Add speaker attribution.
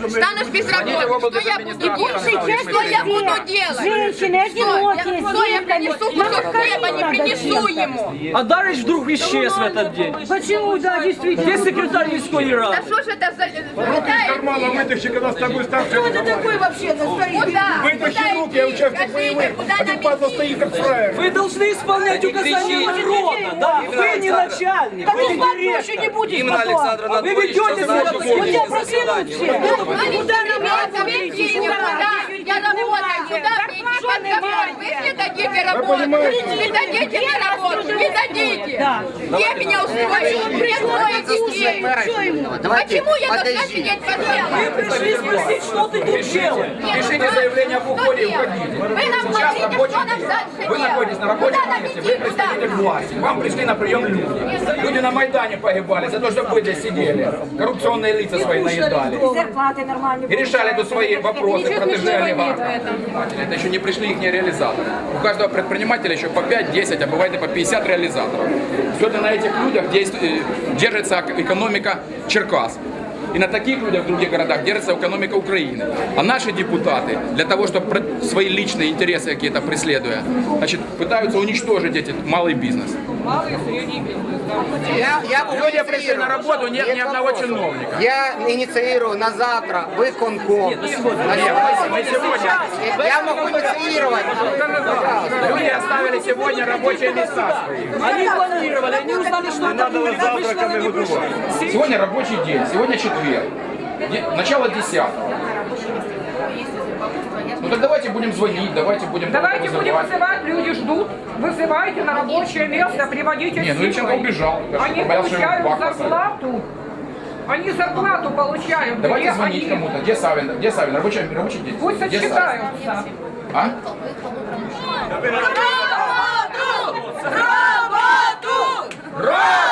Speaker 1: станешь без работы, что я буду делать? Что я буду делать?
Speaker 2: Женщины, одинокие,
Speaker 1: Что я принесу? Кусок хлеба не принесу ему.
Speaker 3: А Дарыч вдруг исчез в этот день.
Speaker 2: Почему, да, действительно?
Speaker 3: Где секретарь міської
Speaker 1: Да
Speaker 3: ради?
Speaker 1: что ж это за...
Speaker 4: Кармана вытащи, когда с тобой старше.
Speaker 2: Кто это такой вообще?
Speaker 1: Куда?
Speaker 4: Вытащи руки, я участник боевых. А ты, падла, стоишь как фраер.
Speaker 3: Вы должны исполнять указания народа, да? Вы не начальник,
Speaker 2: Да
Speaker 3: вы
Speaker 2: ты
Speaker 3: не
Speaker 2: больше
Speaker 3: директор.
Speaker 2: не будешь
Speaker 5: Именно
Speaker 2: потом.
Speaker 5: Александр
Speaker 3: Вы
Speaker 5: Анатольевич,
Speaker 3: ведете
Speaker 5: что
Speaker 3: себя
Speaker 5: значит
Speaker 3: как
Speaker 2: У тебя
Speaker 5: заседание?
Speaker 2: проклянут все.
Speaker 1: Куда нам ответьте ему, куда? Я работаю, куда мне под забор? Вы не дадите работу, не дадите мне работу, не дадите. Где меня устроить? Где строить детей? Почему я должна сидеть под
Speaker 3: Вы
Speaker 1: делом?
Speaker 3: пришли спросить, что ты тут делаешь.
Speaker 4: Пишите заявление об уходе и уходите.
Speaker 1: Вы нам
Speaker 4: Сейчас
Speaker 1: говорите,
Speaker 4: рабочий
Speaker 1: что нам
Speaker 4: день.
Speaker 1: дальше
Speaker 4: Вы находитесь на рабочем
Speaker 1: Куда нам
Speaker 4: месте,
Speaker 1: идти?
Speaker 4: вы представитель власти. Вам пришли на прием люди. Люди на Майдане погибали за то, что вы здесь сидели. Коррупционные лица свои наедали.
Speaker 2: Зарплаты нормальные.
Speaker 4: И решали тут свои вопросы, протеже олигархов. Это еще не пришли их реализаторы. У каждого предпринимателя еще по 5, 10, а бывает и по 50 реализаторов. Сегодня на этих людях держится экономика Черкас. И на таких людях в других городах держится экономика Украины. А наши депутаты, для того, чтобы свои личные интересы какие-то преследуя, значит, пытаются уничтожить этот малый бизнес. Сегодня пришли на работу, нет ни одного чиновника.
Speaker 6: Я инициирую на завтра выконком.
Speaker 4: Мы сегодня
Speaker 6: Я могу инициировать.
Speaker 4: люди оставили сегодня рабочие места свои.
Speaker 3: Они планировали, они узнали, что это будет.
Speaker 4: Сегодня рабочий день, сегодня четверг. Начало 10-го. Ну так давайте будем звонить, давайте будем
Speaker 7: вызывать, люди ждут. Вызывайте на рабочее место, приводите
Speaker 4: Не, ну Ильченко убежал.
Speaker 7: Они
Speaker 4: Боялся, что его
Speaker 7: получают
Speaker 4: в бак посадят.
Speaker 7: зарплату. Они зарплату получают.
Speaker 4: Давайте
Speaker 7: Где
Speaker 4: звонить
Speaker 7: они?
Speaker 4: кому-то. Где Савин? Где Савин? Рабочий день.
Speaker 7: Пусть
Speaker 4: Где Савин?
Speaker 7: отчитаются.
Speaker 4: А?
Speaker 1: Работу! Работу!
Speaker 4: Работу!